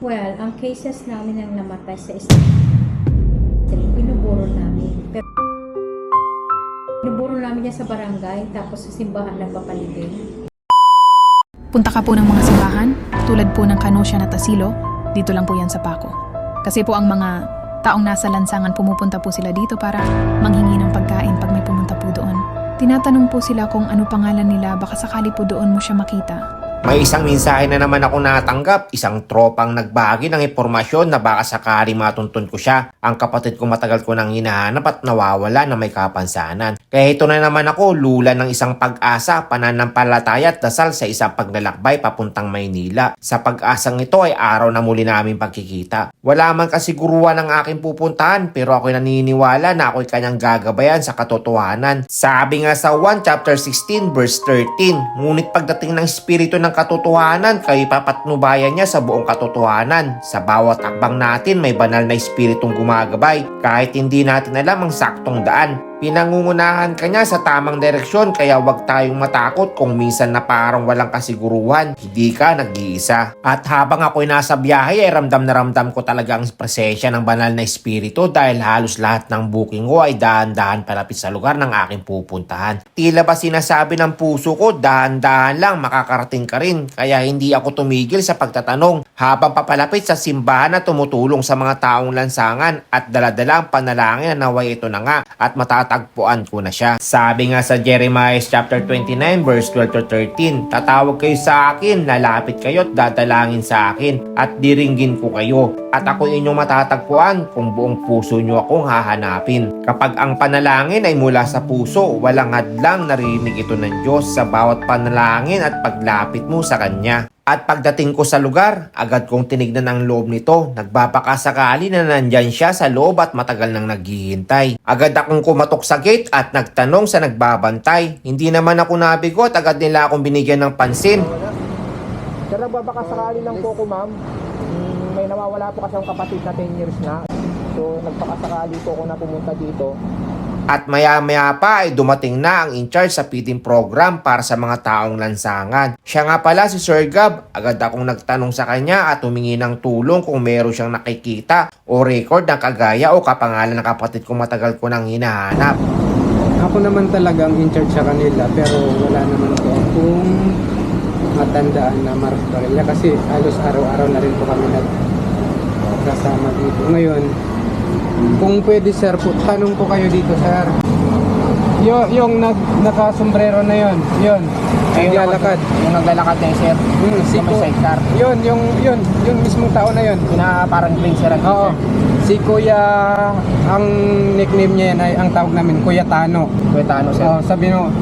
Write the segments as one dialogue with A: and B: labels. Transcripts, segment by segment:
A: Well, ang cases namin ang namatay sa street, binuburo namin. Pero binuburo namin niya sa barangay, tapos sa simbahan nagpapalibing.
B: Punta ka po ng mga simbahan, tulad po ng Kanosyan at Asilo, dito lang po yan sa Paco. Kasi po ang mga taong nasa lansangan, pumupunta po sila dito para manghingi ng pagkain pag may pumunta po doon. Tinatanong po sila kung ano pangalan nila, baka sakali po doon mo siya makita.
C: May isang mensahe na naman ako natanggap, isang tropang nagbahagi ng impormasyon na baka sakali matuntun ko siya. Ang kapatid ko matagal ko nang hinahanap at nawawala na may kapansanan. Kaya ito na naman ako, lula ng isang pag-asa, pananampalataya at dasal sa isang paglalakbay papuntang Maynila. Sa pag-asang ito ay araw na muli namin pagkikita. Wala man kasiguruhan ng aking pupuntahan, pero ako'y naniniwala na ako'y kanyang gagabayan sa katotohanan. Sabi nga sa 1 chapter 16 verse 13, ngunit pagdating ng espiritu ng katotohanan, kayo papatnubayan niya sa buong katotohanan. Sa bawat akbang natin may banal na espiritong gumagabay kahit hindi natin alam ang saktong daan. Pinangungunahan ka niya sa tamang direksyon, kaya wag tayong matakot kung minsan na parang walang kasiguruhan, hindi ka nag-iisa. At habang ako'y nasa biyahe ay ramdam na ramdam ko talaga ang presensya ng banal na espiritu dahil halos lahat ng booking ko ay dahan-dahan palapit sa lugar ng aking pupuntahan. Tila ba sinasabi ng puso ko, dahan-dahan lang makakarating ka rin, kaya hindi ako tumigil sa pagtatanong habang papalapit sa simbahan na tumutulong sa mga taong lansangan at daladala ang panalangin na naway ito na nga at matatagpuan ko na siya. Sabi nga sa Jeremiah chapter 29 verse 12 to 13, tatawag kayo sa akin, lalapit kayo at dadalangin sa akin at diringgin ko kayo at ako inyong matatagpuan kung buong puso nyo akong hahanapin. Kapag ang panalangin ay mula sa puso, walang hadlang narinig ito ng Diyos sa bawat panalangin at paglapit mo sa Kanya. At pagdating ko sa lugar, agad kong tinignan ang loob nito. Nagbabakasakali na nandyan siya sa loob at matagal nang naghihintay. Agad akong kumatok sa gate at nagtanong sa nagbabantay. Hindi naman ako nabigo at agad nila akong binigyan ng pansin.
D: Sir, nagbabakasakali lang po ko, ma'am. May nawawala po kasi ang kapatid na 10 years na. So, nagpakasakali po ako na pumunta dito.
C: At maya-maya pa ay dumating na ang in-charge sa feeding program para sa mga taong lansangan. Siya nga pala si Sir Gab. Agad akong nagtanong sa kanya at humingi ng tulong kung meron siyang nakikita o record ng kagaya o kapangalan ng kapatid kong matagal ko nang hinahanap.
E: Ako naman talagang in-charge sa kanila, pero wala naman po akong matandaan na Mark Barilla kasi halos araw-araw na rin po kami nagkasama dito. Ngayon, kung pwede sir, tanong po kayo dito sir. Yung nakasombrero na yon, naglalakad.
D: Yung naglalakad na sir.
E: Si
D: may sidecar.
E: Yung mismong tao na yon.
D: Parang green sir.
E: Oo. Si Kuya, ang nickname niya yan ay, ang tawag namin, Kuya Tano.
D: Kuya Tano sir.
E: Sabi no,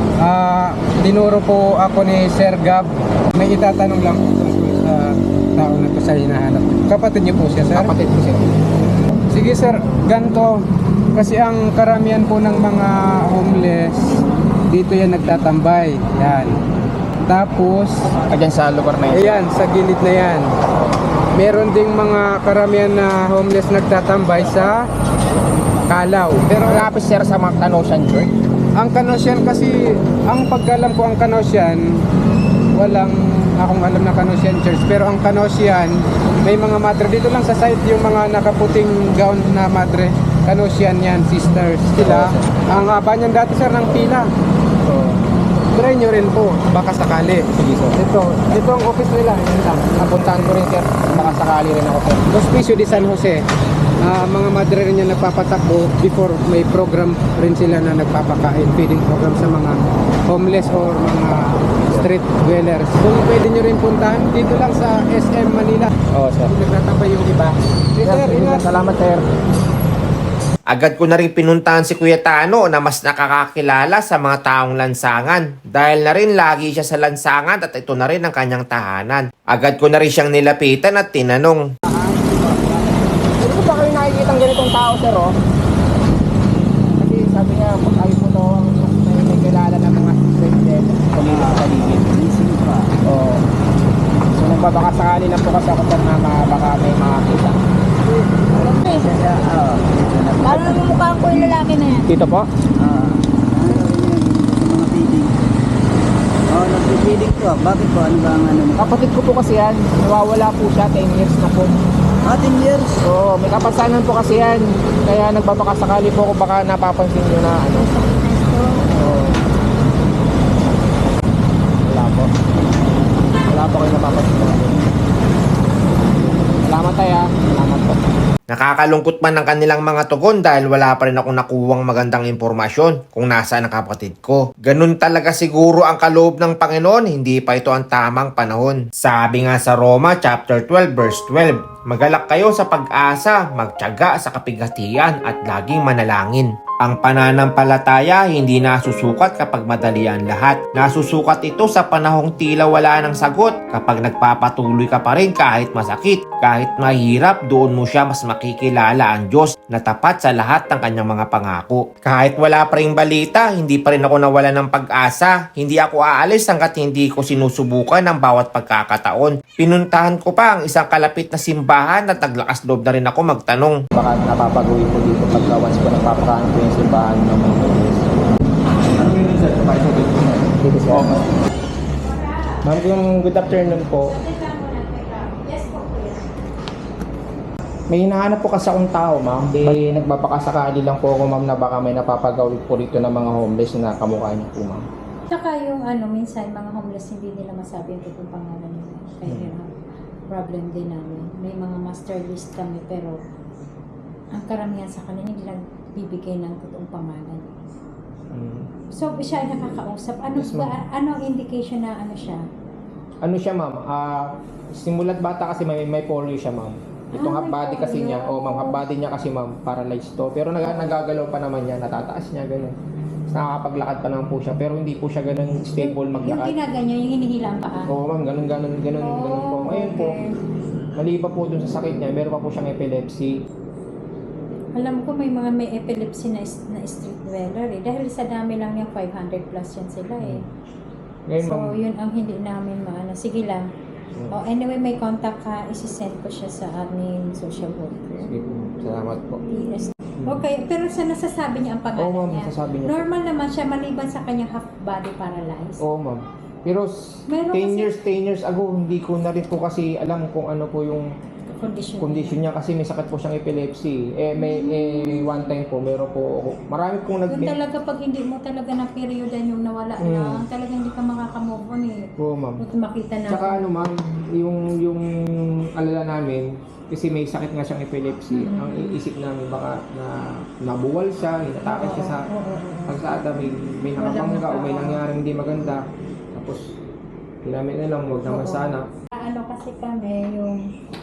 E: dinuro po ako ni Sir Gab. May itatanong lang po tungkol sa tao na to sa hinahanap. Kapatid niyo po siya, sir?
D: Kapatid ko sir.
E: Sige sir, ganito. Kasi ang karamihan po ng mga homeless, dito yan nagtatambay. Yan. Tapos,
D: Diyan sa lugar na yun.
E: ayan, sa gilid na yan. Meron ding mga karamihan na homeless nagtatambay sa Kalaw.
D: Pero lapis sir sa mga Kanosyan Church.
E: Ang Kanosyan kasi, ang pagkalam ko ang Kanosyan, walang akong alam na Kanosyan Church. Pero ang Kanosyan, may mga madre. Dito lang sa site yung mga nakaputing gown na madre. Kanosyan yan, sisters. Sila, ang haba niyan dati sir ng pila. Try nyo rin po, baka sakali.
D: Sige sir.
E: Ito ang office nila. Yan lang.
D: Napuntahan ko rin sir. Makasakali rin ako sir.
E: Hospicio de San Jose. Mga madre rin yan nagpapatakbo before may program rin sila na nagpapakain, feeding program sa mga homeless or mga street dwellers. Kung pwede nyo rin puntahan, dito lang sa SM Manila.
D: Oo sir.
E: Nagtatambay yung iba. Sir, ingat.
D: Salamat sir.
C: Agad ko na rin pinuntahan si Kuya Tano na mas nakakakilala sa mga taong lansangan dahil na rin lagi siya sa lansangan at ito na rin ang kanyang tahanan. Agad ko na rin siyang nilapitan at tinanong.
D: Hindi ko pa kayo nakikita ng ganitong tao sir oh. Kasi sabi niya, ay po to, may kilala ng mga street din. Kumilip sa paligid. Oo. So nagbabakasakali lang po kasi ako sir na baka may makakita.
A: Paano naman mukha ko yung lalaki na yan?
D: Dito po?
F: Oo, nagpipilig po. Bakit po? Ano ba ang ano mo?
D: Kapatid ko po kasi yan. Nawawala po siya, 10 years na po.
F: 10 years.
D: Oo, may kapansanan po kasi yan. Kaya nagbabakasakali po kung baka napapansin nyo na ano. Oo. Wala po. Wala po kayo napapansin na ano. Salamat tayo ah. Salamat po.
C: Nakakalungkot man ang kanilang mga tugon dahil wala pa rin akong nakuwang magandang impormasyon kung nasaan ang kapatid ko. Ganun talaga siguro ang kaloob ng Panginoon, hindi pa ito ang tamang panahon. Sabi nga sa Roma chapter 12 verse 12, magalak kayo sa pag-asa, magtiyaga sa kapighatian at laging manalangin. Ang pananampalataya hindi nasusukat kapag madali ang lahat. Nasusukat ito sa panahong tila wala ng sagot. Kapag nagpapatuloy ka pa rin kahit masakit, kahit mahirap, doon mo siya mas makikilala ang Diyos na tapat sa lahat ng kanyang mga pangako. Kahit wala pa rin balita, hindi pa rin ako nawala ng pag-asa. Hindi ako aalis hanggat hindi ko sinusubukan ang bawat pagkakataon. Pinuntahan ko pa ang isang kalapit na simbahan at naglakas loob na rin ako magtanong.
D: Baka napapagawin po dito pagka once ko nagpapakaan po yung simbahan ng mga Pilipinas. Ano yun sir? Dito sir. Ma'am, good afternoon po. May hinahanap po kasi akong tao, ma'am. Nagbabakasakali lang po ako, ma'am, na baka may napapagawin po rito ng mga homeless na kamukha niyo po, ma'am.
A: Tsaka yung minsan mga homeless hindi nila masabi ang totoong pangalan nila. Kaya yun ang problem din namin. May mga master list kami pero ang karamihan sa kanila hindi lang bibigay ng totoong pangalan. So siya ay nakakausap. Ano
D: Yes, ma'am.
A: ano ang indication na ano siya?
D: Ano siya, ma'am? Simulat bata kasi may polio siya, ma'am. Itong half
A: may
D: body kasi
A: polio.
D: niya. Oh, ma'am, half body niya kasi, ma'am, paralyzed to. Pero nagagalaw pa naman niya, natataas niya, ganun. Tapos nakakapaglakad pa naman po siya, pero hindi po siya ganun stable
A: Yung
D: maglakad.
A: ginaganyan, yung hinihila ang paa.
D: Oo, ma'am, ganun po. Ngayon po, maliba po dun sa sakit niya, meron pa po siyang epilepsy.
A: Alam ko may mga may epilepsy na street dweller eh. Dahil sa dami lang yung 500 plus yan sila eh.
D: Ngayon,
A: So
D: ma'am,
A: yun ang hindi namin maano. Sige lang. Oh, anyway, may contact ka, isi-send ko siya sa aming social worker.
D: sige po, salamat po.
A: PS. Okay, pero sa nasasabi niya ang pangalan
D: Oo, ma'am,
A: niya.
D: nasasabi niya.
A: Normal naman siya maliban sa kanyang half body paralyzed.
D: Oo, ma'am. Pero
A: Meron
D: 10 years ago, hindi ko na rin po kasi alam kung ano po yung condition niya kasi may sakit po siyang epilepsy. May one time po, meron po ako. Marami pong
A: Doon talaga pag hindi mo talaga na periodan yung nawala na, talaga hindi ka makakamove on eh.
D: Oo, ma'am.
A: Kung makita na.
D: Tsaka ano, ma'am, yung alala namin, kasi may sakit nga siyang epilepsy. Ang iisip namin baka na nabuwal siya, inatake siya sa pagsada, may nakabangga o may nangyaring hindi maganda. Tapos, namin na lang, huwag naman sana.
A: Ano kasi kami yung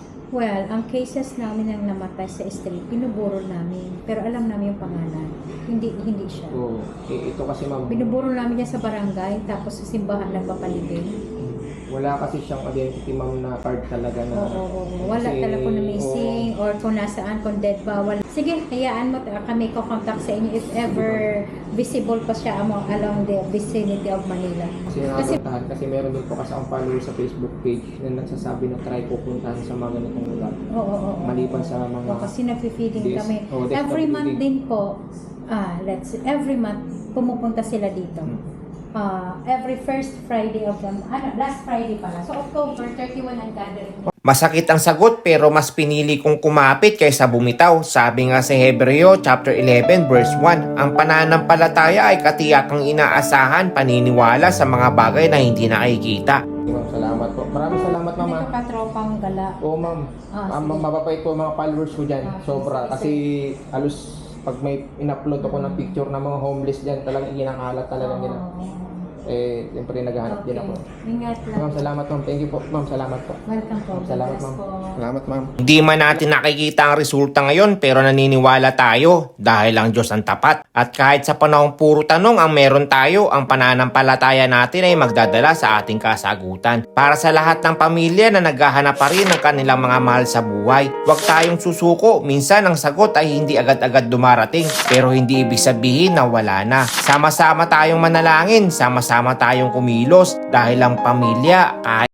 A: ang cases namin ang namatay sa street, pinuburol namin. Pero alam namin yung pangalan. Hindi siya.
D: So, ito kasi, ma'am,
A: Binuburol namin niya sa barangay, tapos sa simbahan lang papaligid.
D: wala kasi siyang identity, ma'am, na card talaga na.
A: Oo. Wala
D: kasi,
A: talaga kung na missing or kung nasaan, kung dead ba. Wala. Sige, hayaan mo, kami ko-contact sa inyo if ever visible pa siya along the vicinity of Manila.
D: Kasi nakapuntahan, kasi meron din po kasi ang follower sa Facebook page na nagsasabi na try pupuntahan sa mga ganitong lugar.
A: Oo.
D: Maliban sa mga...
A: Kasi nag-feeding
D: Yes.
A: kami.
D: Oh, that's
A: Every
D: what we
A: month
D: did.
A: din po, every month pumupunta sila dito. Every first Friday of the last Friday pala. So October 31 ang gathering.
C: Masakit ang sagot pero mas pinili kong kumapit kaysa bumitaw. Sabi nga sa Hebreo chapter 11 verse 1, ang pananampalataya ay katiyakang inaasahan, paniniwala sa mga bagay na hindi nakikita.
D: Ma'am, salamat po. Maraming salamat, ma'am.
A: Ito ka tropang gala.
D: Oo, ma'am.
A: Sige.
D: Mababait po mga followers ko dyan. Sobra.
A: sige.
D: Kasi halos pag may in-upload ako ng picture ng mga homeless dyan, talagang kinakalat talaga nila. Siyempre naghahanap din ako.
A: Ingat lang.
D: Ma'am, salamat, ma'am. Thank you po. Ma'am, salamat po.
A: Welcome po.
D: Salamat,
A: Bless
D: ma'am.
A: po.
D: Salamat, ma'am.
C: Hindi man natin nakikita ang resulta ngayon pero naniniwala tayo dahil ang Diyos ang tapat. At kahit sa panahong puro tanong ang meron tayo, ang pananampalataya natin ay magdadala sa ating kasagutan. Para sa lahat ng pamilya na naghahanap pa rin ng kanilang mga mahal sa buhay, huwag tayong susuko. Minsan ang sagot ay hindi agad-agad dumarating pero hindi ibig sabihin na wala na. Sama-sama tayong manalangin, sama-sama tayong kumilos dahil ang pamilya kahit